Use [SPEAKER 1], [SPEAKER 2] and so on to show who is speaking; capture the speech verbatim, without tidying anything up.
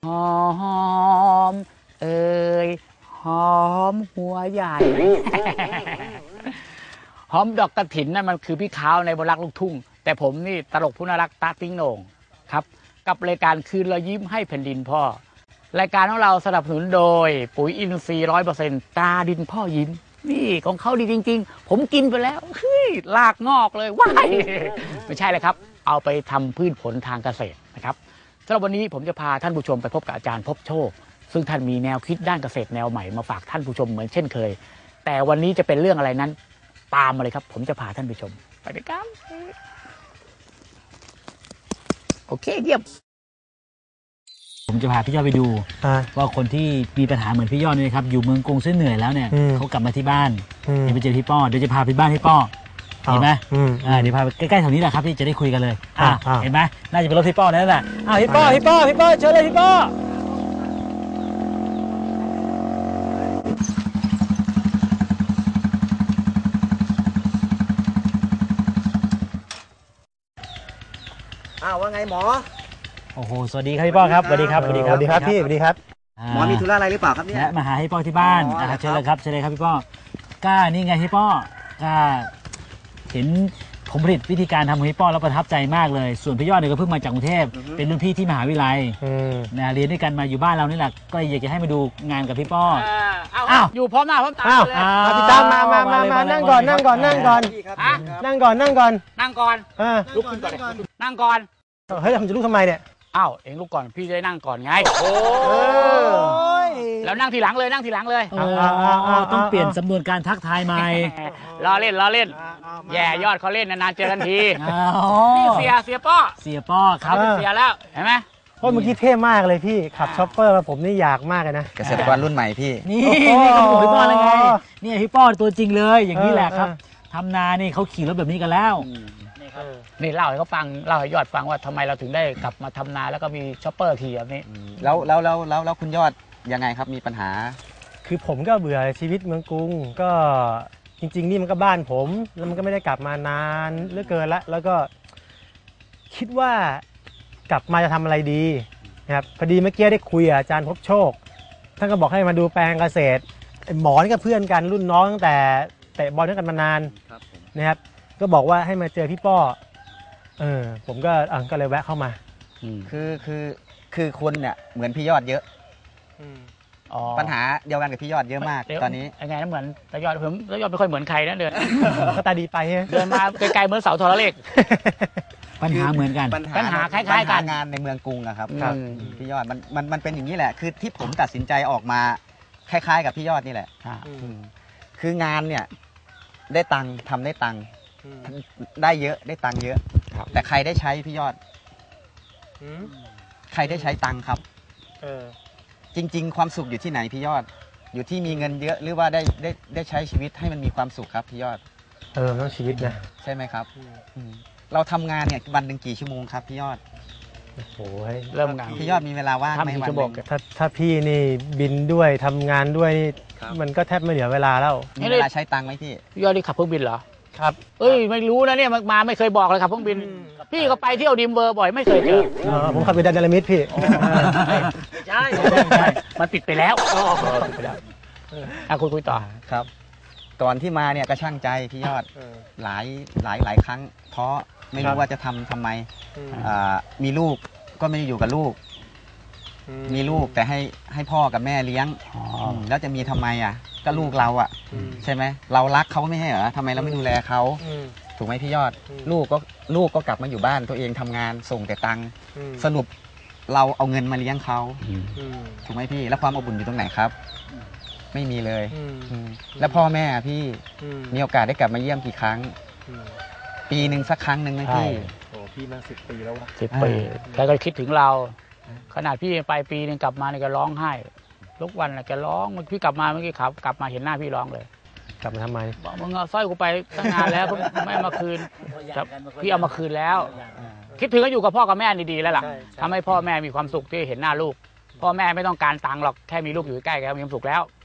[SPEAKER 1] หอมเอ่ยหอมหัวใหญ่ หอมดอกกระถินนั่นมันคือพี่ขาวในบนรักลูกทุ่งแต่ผมนี่ตลกผู้น่ารักตาติ้งโหน่งครับกับรายการคืนรอยยิ้มให้แผ่นดินพ่อรายการของเราสนับสนุนโดยปุ๋ยอินทรีย์ร้อยเปอร์เซ็นต์ตาดินพ่อยิ้มนี่ของเขาดีจริงๆผมกินไปแล้วเฮ้ยลากงอกเลยว้ายไม่ใช่เลยครับเอาไปทำพืชผลทางเกษตรนะครับสำหรับวันนี้ผมจะพาท่านผู้ชมไปพบกับอาจารย์พบโชคซึ่งท่านมีแนวคิดด้านเกษตรแนวใหม่มาฝากท่านผู้ชมเหมือนเช่นเคยแต่วันนี้จะเป็นเรื่องอะไรนั้นตามมาเลยครับผมจะพาท่านไปชมไปด้วยกันโอเคเยี่ยมผมจะพาพี่ยอดไปดูว่าคนที่มีปัญหาเหมือนพี่ยอดนี่ครับอยู่เมืองกรุงเส้นเหนื่อยแล้วเนี่ยเขากลับมาที่บ้านเดี๋ยวไปเจอพี่ป้อเดี๋ยวจะพาไปบ้านพี่ป้อเห็นไหมอ่าเดี๋ยวพาไปใกล้ๆแถวนี้แหละครับที่จะได้คุยกันเลยอ่าเห็นไหมน่าจะเป็นรถพี่ป้อนั่นแหละอ้าวพี่ป้อพี่ป้อพี่ป้อเชิญเลยพี่ป้อ
[SPEAKER 2] อ้าวว่าไงหมอ
[SPEAKER 1] โอ้โหสวัสดีครับพี่ป้อครับสวัสดีครับ
[SPEAKER 2] สวัสดีครับสวัสดีครับพี่สวัสดีครับหมอมีธุระอะไรหรือเปล่าครับเนี่ย
[SPEAKER 1] มาหาพี่ป้อที่บ้านนะครับเชิญเลยครับเชิญเลยครับพี่ป้อก้านี่ไงพี่ป้อก้าเห็นผมผลิตวิธีการทำของพี่ป้อแล้วประทับใจมากเลยส่วนพี่ยอดเนี่ยก็เพิ่งมาจากกรุงเทพเป็นรุ่นพี่ที่มหาวิทยาลัยนะเรียนด้วยกันมาอยู่บ้านเรานี่แหละก็อยากจะให้มาดูงานกับพี่ป้ออ้าวอยู่พร้อมหน้าพร้อมตาเลย
[SPEAKER 2] พี่ตามมามามามานั่งก่อนนั่งก่อนนั่งก่อนนั่งก่อนนั่งก่อน
[SPEAKER 1] นั่งก่อนลุกขึ้นก่อนนั่งก่อน
[SPEAKER 2] เฮ้ยทำจะลุกทำไมเนี่ย
[SPEAKER 1] อ้าวเองลุกก่อนพี่จะได้นั่งก่อนไงโอ้ยแล้วนั่งทีหลังเลยนั่งทีหลังเลยต้องเปลี่ยนสำนวนการทักทายใหม่ล้อเล่นล้อเล่นแย่ยอดเขาเล่นนานๆเจอกันทีนี่เสียเสียป้อเสียป้อครับเสียแล้วเห็นไหม
[SPEAKER 2] เพราะเมื่อกี้เท่มากเลยพี่ขับช็อปเปอร์มาผมนี่อยากมากเลยนะ
[SPEAKER 3] เกษตรกรรุ่นใหม่พี่
[SPEAKER 1] นี่นี่เขาบอกพี่ป้อแล้วไงนี่พี่ป้อตัวจริงเลยอย่างนี้แหละครับทำนานี่เขาขี่รถแบบนี้กันแล้วนี่เล่าให้เขาฟังเล่าให้ยอดฟังว่าทำไมเราถึงได้กลับมาทำนาแล้วก็มีช็อปเปอร์ขี่แบบนี้
[SPEAKER 3] แล้วแล้วแล้วแล้วแล้วคุณยอดยังไงครับมีปัญหา
[SPEAKER 2] คือผมก็เบื่อชีวิตเมืองกรุงก็จริงๆนี่มันก็บ้านผมแล้วมันก็ไม่ได้กลับมานานเหลือเกินละแล้วก็คิดว่ากลับมาจะทำอะไรดีนะครับพอดีเมื่อกี้ได้คุยกับอาจารย์พบโชคท่านก็บอกให้มาดูแปลงเกษตรหมอนี่ก็เพื่อนกันรุ่นน้องตั้งแต่เตะบอลด้วยกันมานานนะครับก็บอกว่าให้มาเจอพี่ป้อเออผมก็อ่ะก็เลยแวะเข้ามา
[SPEAKER 3] คือคือคือคนเนี่ยเหมือนพี่ยอดเยอะปัญหาเดียวกันกับพี่ยอดเยอะมากตอนนี้
[SPEAKER 1] ยังไงนะเหมือนตายอดผมตายอดไม่ค่อยเหมือนใครนะเดิน
[SPEAKER 2] ก็ตาดีไป
[SPEAKER 1] เดินมาไกลๆเหมือนเสาโทรเลขปัญหาเหมือนกันปัญหาคล้ายๆกัน
[SPEAKER 3] งานในเมืองกรุงอะครับพี่ยอดมันมันมันเป็นอย่างนี้แหละคือที่ผมตัดสินใจออกมาคล้ายๆกับพี่ยอดนี่แหละคืองานเนี่ยได้ตังค์ทำได้ตังค์ได้เยอะได้ตังค์เยอะแต่ใครได้ใช้พี่ยอดใครได้ใช้ตังค์ครับจริงๆความสุขอยู่ที่ไหนพี่ยอดอยู่ที่มีเงินเยอะหรือว่าได้ได้ได้ใช้ชีวิตให้มันมีความสุขครับพี่ยอด
[SPEAKER 2] เออต้องชีวิตนะ
[SPEAKER 3] ใช่ไหมครับเราทำงานเนี่ยวันหนึ่งกี่ชั่วโมงครับพี่ยอด
[SPEAKER 2] โอ้โห
[SPEAKER 1] เริ่มงาน
[SPEAKER 3] พี่ยอดมีเวลาว่างไหมวันนึง
[SPEAKER 2] ถ้าถ้าพี่นี่บินด้วยทำงานด้วยมันก็แทบไม่เหลือเวลาแล้ว
[SPEAKER 3] มีเวลาใช้ตังค์ไหมพี่
[SPEAKER 1] พี่ยอดนี่ขับเครื่องบินเหรอ
[SPEAKER 2] ครับ
[SPEAKER 1] เอ้ยไม่รู้นะเนี่ยมาไม่เคยบอกเลยครับเครื่องบินพี่ก็ไปเที่ยวดิมเบอร์บ่อยไม่เคยเจอ
[SPEAKER 2] ผมขับไปดันดารามิดพี่
[SPEAKER 1] ใช่ใช่มันปิดไปแล้วปิดไปแล้วอ่ะคุยคุยต่อ
[SPEAKER 3] ครับก่อนที่มาเนี่ยก็ช่างใจพี่ยอดหลายหลายหลายครั้งท้อไม่รู้ว่าจะทำทำไมมีลูกก็ไม่ได้อยู่กับลูกมีลูกแต่ให้ให้พ่อกับแม่เลี้ยงแล้วจะมีทำไมอ่ะก็ลูกเราอ่ะใช่ไหมเรารักเขาไม่ให้เหรอทำไมเราไม่ดูแลเขาถูกไหมพี่ยอดลูกก็ลูกก็กลับมาอยู่บ้านตัวเองทำงานส่งแต่ตังค์สรุปเราเอาเงินมาเลี้ยงเขาถูกไหมพี่แล้วความอบอุ่นอยู่ตรงไหนครับไม่มีเลยแล้วพ่อแม่พี่มีโอกาสได้กลับมาเยี่ยมกี่ครั้งปีหนึ่งสักครั้งหนึ่งไหมพี่
[SPEAKER 2] โอ้พี่มาสิบปีแล้ววะ
[SPEAKER 1] สิบปีแกก็คิดถึงเราขนาดพี่ไปปีนึงกลับมาเนี่ยแกร้องไห้ทุกวันแกร้องพี่กลับมาเมื่อกี้ขับกลับมาเห็นหน้าพี่ร้องเลย
[SPEAKER 2] กลับมาทำไม
[SPEAKER 1] บอกมึงเอาสร้อยกูไปตั้งนานแล้วไม่มาคืนพี่เอามาคืนแล้วคิดถึงก็อยู่กับพ่อกับแม่ดีๆแล้วล่ะทำให้พ่อแม่มีความสุขที่เห็นหน้าลูกพ่อแม่ไม่ต้องการตังค์หรอกแค่มีลูกอยู่ใกล้แกมีความสุขแล้ว